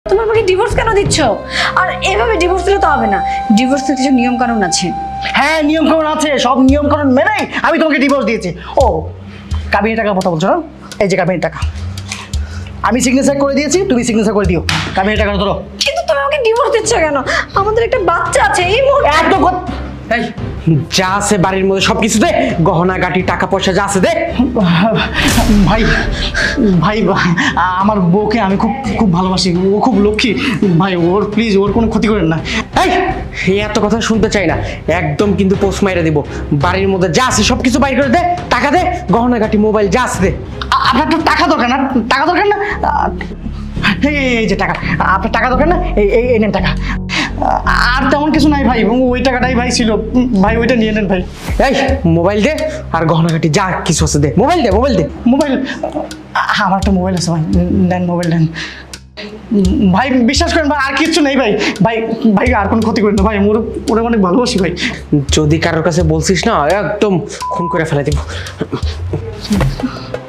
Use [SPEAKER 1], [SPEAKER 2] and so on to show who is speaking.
[SPEAKER 1] তুমি আমাকে ডিভোর্স কেন দিচ্ছ? আর এভাবে ডিভোর্স দিলে তো হবে না, ডিভোর্সের কিছু নিয়ম কানুন আছে।
[SPEAKER 2] হ্যাঁ নিয়ম কানুন আছে, সব নিয়ম কানুন মেনেই আমি তোমাকে ডিভোর্স দিয়েছি। ও কাবিনের টাকার কথা বলছো না? এই যে কাবিনের টাকা আমি সিগনেচার করে দিয়েছি, তুমি সিগনেচার করে দিও। কাবিনের টাকা ধরো।
[SPEAKER 1] কিন্তু তুমি আমাকে ডিভোর্স দিচ্ছ কেন? আমাদের একটা বাচ্চা আছে, এই মুহূর্তে
[SPEAKER 2] এত
[SPEAKER 3] এই যা আছে বাড়ির মধ্যে সবকিছু দে, গহনা গাটি টাকা পয়সা যা আছে দে।
[SPEAKER 2] ভাই ভাই আমার বউকে আমি খুব খুব ভালোবাসি, ও খুব লক্ষ্মী ভাই, ওর প্লিজ ওর কোনো ক্ষতি করেন না।
[SPEAKER 3] এই এত কথা শুনতে চাই না, একদম কিন্তু পোস্ট মাইরা দিব। বাড়ির মধ্যে যা আছে সবকিছু বাইর করে দে, টাকা দে, গহনা গাটি মোবাইল যা আছে দে।
[SPEAKER 2] আপনার তো টাকা দরকার না, টাকা দরকার না, এই যে টাকা, আপনার টাকা দরকার না, এই নেন টাকা। আর তেমন কিছু নাই ভাই, ওই টাকাটাই ভাই ছিল ভাই, ওইটা নিয়ে নেন ভাই।
[SPEAKER 3] এই মোবাইল দে আর গহনা গাটি যা কিছু আছে দে, মোবাইল দে, মোবাইল দে।
[SPEAKER 2] মোবাইল, আমার একটা মোবাইল আছে ভাই, নেন মোবাইল নেন ভাই, বিশ্বাস করেন ভাই আর কিচ্ছু নেই ভাই, ভাই ভাই আর কোনো ক্ষতি করেন না ভাই, ওরা অনেক ভালোবাসি ভাই।
[SPEAKER 3] যদি কারোর কাছে বলছিস না একদম খুন করে ফেলে দিব।